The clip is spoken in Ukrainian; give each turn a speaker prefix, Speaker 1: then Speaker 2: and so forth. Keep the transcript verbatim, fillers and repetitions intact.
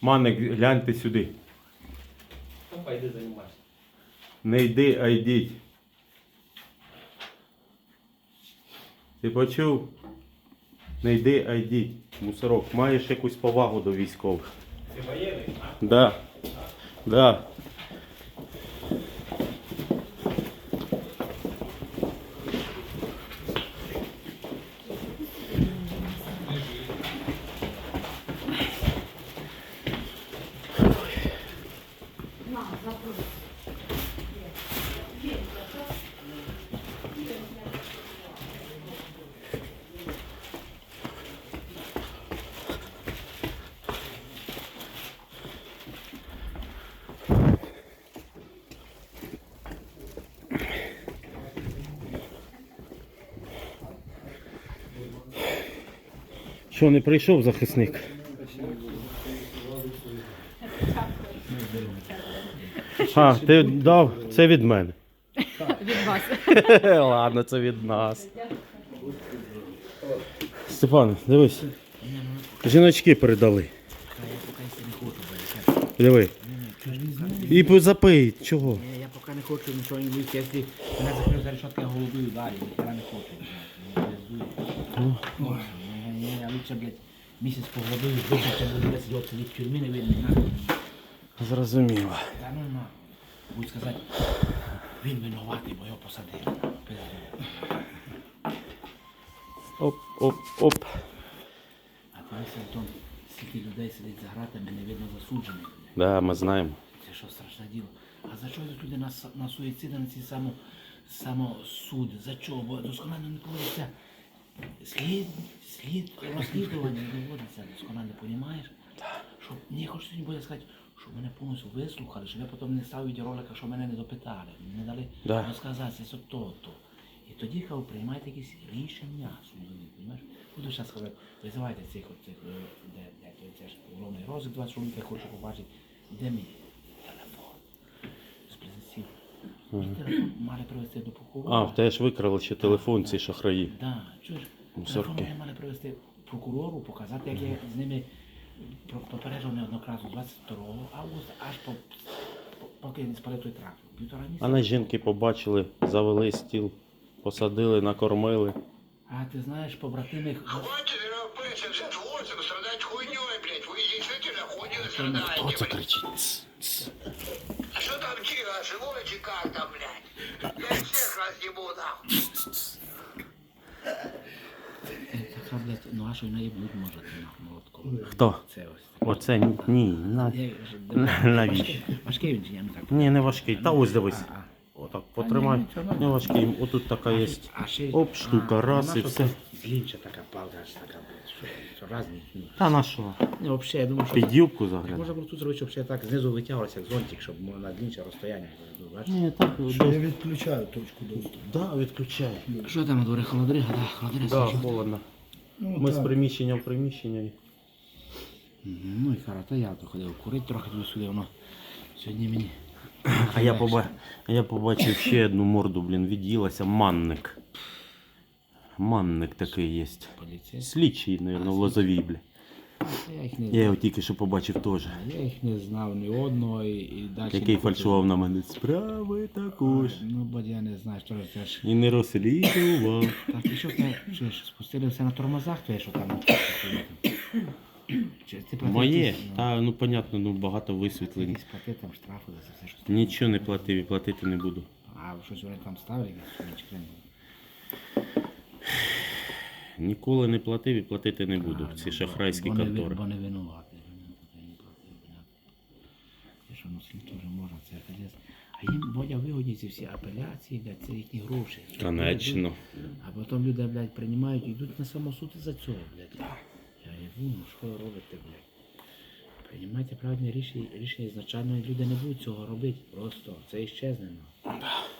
Speaker 1: Маник, гляньте сюди.
Speaker 2: Опа, йди займайся.
Speaker 1: Не йди, а йдіть. Ти почув? Не йди, а йдіть. Мусорок, маєш якусь повагу до військових?
Speaker 2: Ти воєнний, а?
Speaker 1: Да. Да. Що, не прийшов захисник? А, ти дав? Це від мене.
Speaker 3: Від вас.
Speaker 1: Ладно, це від нас. Степан, дивись. Жіночки передали. Диви. І запий, чого?
Speaker 2: Ні, я поки не хочу нічого не вийти, якщо мене закрив за решетки, я голубую далі, ніхера не хочу. Ні, ні, я лучше, блядь, місяць погодую, виключно буду десь його сидіти в тюрмі, не видно, нахуй.
Speaker 1: Зрозуміло.
Speaker 2: Та ну на, будуть сказати, він винуватий, бо його посадили.
Speaker 1: Оп, оп, оп.
Speaker 2: А ти мислиш, Антон, скільки людей сидить за гратами, не видно засуджених.
Speaker 1: Да, ми знаємо.
Speaker 2: Це що страшне діло. А за що йдуть люди на, с- на суїциди, на ці само, самосуди? За чого? Бо досконально не проводиться слід, слід, розслідування не доводиться, досконально, розумієш? Щоб, ні, хочу сьогодні буде сказати, що мене повністю вислухали, щоб я потім не став відеоролика, що мене не допитали, не дали
Speaker 1: Да.
Speaker 2: розказати, це то, то. І тоді, хай приймайте якісь рішення судові, розумієш? Буду зараз сказати, визивайте цих, от цих, е, де, де, де, це ж головний розвиток, двадцять чоловік, я хочу побачити, де мій телефон з близнеців. Мій телефон мали привезти до прокурора.
Speaker 1: А, в тебе ж викрали ще телефон ці шахраї.
Speaker 2: Да, чуєш,
Speaker 1: Мусорки.
Speaker 2: телефон вони мали привезти прокурору, показати, як я з ними про- попереджував неоднократно двадцять другого августа, аж по, по, поки не спалив той трактор. Півтора
Speaker 1: А
Speaker 2: місяця.
Speaker 1: на жінки побачили, завели стіл, посадили, накормили.
Speaker 2: А ти знаєш, побратими...
Speaker 4: Хватит семьдесят восемь страдать хуйней, блядь. Вы действительно хуйней страдаете,
Speaker 1: Хто це
Speaker 4: блядь.
Speaker 1: кричить? Тс, тс.
Speaker 4: А что там тихо, живое чи как там, блядь? Я всех разъебу, нахуй.
Speaker 2: Така, блядь, ну а що й наїбнуть може ти на молотком.
Speaker 1: Хто?
Speaker 2: Це ось.
Speaker 1: Оце ні, ні, на...
Speaker 2: Я вже-
Speaker 1: навіщо?
Speaker 2: Важкий- Важкий він чи я не так.
Speaker 1: Ні, не важкий. Та ось дивись.
Speaker 2: А, а.
Speaker 1: Отак, потримай.
Speaker 2: ні, нічого,
Speaker 1: Не важкий. Отут така є.
Speaker 2: А ще...
Speaker 1: Оп, штука,
Speaker 2: а,
Speaker 1: раз
Speaker 2: вона
Speaker 1: і
Speaker 2: що
Speaker 1: все.
Speaker 2: це Длінча така палка, аж така, блядь, що, що разні. Ну,
Speaker 1: Та на що?
Speaker 2: Ні, взагалі, я думаю, що...
Speaker 1: Під юбку
Speaker 2: Можна
Speaker 1: заглядай.
Speaker 2: було тут зробити, щоб ще так знизу витягувалося, як зонтик, щоб на длінче розстояння було, бачиш?
Speaker 1: Ні, так,
Speaker 5: Що я відключаю точку доступу.
Speaker 1: да, відключай.
Speaker 2: Що там на дворі, холодрига, да, холодрига.
Speaker 1: Да,
Speaker 2: свічу.
Speaker 1: холодно.
Speaker 5: Ну,
Speaker 1: Ми з
Speaker 5: так.
Speaker 1: приміщення в приміщення.
Speaker 2: Мгм, ну і хорошо, я то ходив курити трохи туди сюди, воно сьогодні мені...
Speaker 1: А я, поба... а я побачив ще одну морду, блін, від'їлася. Манник. Манник такий є.
Speaker 2: Поліція.
Speaker 1: Слідчий, мабуть, в Лозовій, бля.
Speaker 2: Я їх не
Speaker 1: Я
Speaker 2: знав.
Speaker 1: його тільки що побачив теж.
Speaker 2: Я їх не знав ні одного і, і далі...
Speaker 1: Який
Speaker 2: не хочу.
Speaker 1: фальшував на мене. Справи також.
Speaker 2: Ну, бо я не знаю, що це ж...
Speaker 1: І не розслідував.
Speaker 2: Так, і що ти, що ж, спустили все на тормозах, твоє, що там? Чи ти платив
Speaker 1: Моє.
Speaker 2: якісь, ну,
Speaker 1: Та, ну, понятно, ну, багато висвітлень.
Speaker 2: якісь платив там штрафи за це все, що ти...
Speaker 1: Нічого не платив і платити не буду.
Speaker 2: А щось вони там ставили, якісь чи хрен?
Speaker 1: Ніколи не платив і платити не буду.
Speaker 2: А,
Speaker 1: Ці
Speaker 2: ну,
Speaker 1: шахрайські
Speaker 2: бо не ви-
Speaker 1: контори.
Speaker 2: Бо не винуватий. Я не платив, понятно. І що, ну, слід теж можна, це кадес. А їм, Бодя, вигодні ці всі апеляції, блядь, це їхні гроші.
Speaker 1: Конечно.
Speaker 2: А потім люди, блядь, приймають і йдуть на самосуд із-за цього, блядь. Я їду, ну що ви робите, блядь? Приймайте правильне рішення, рішення ізначально, і люди не будуть цього робити. Просто це іщезне. Ну.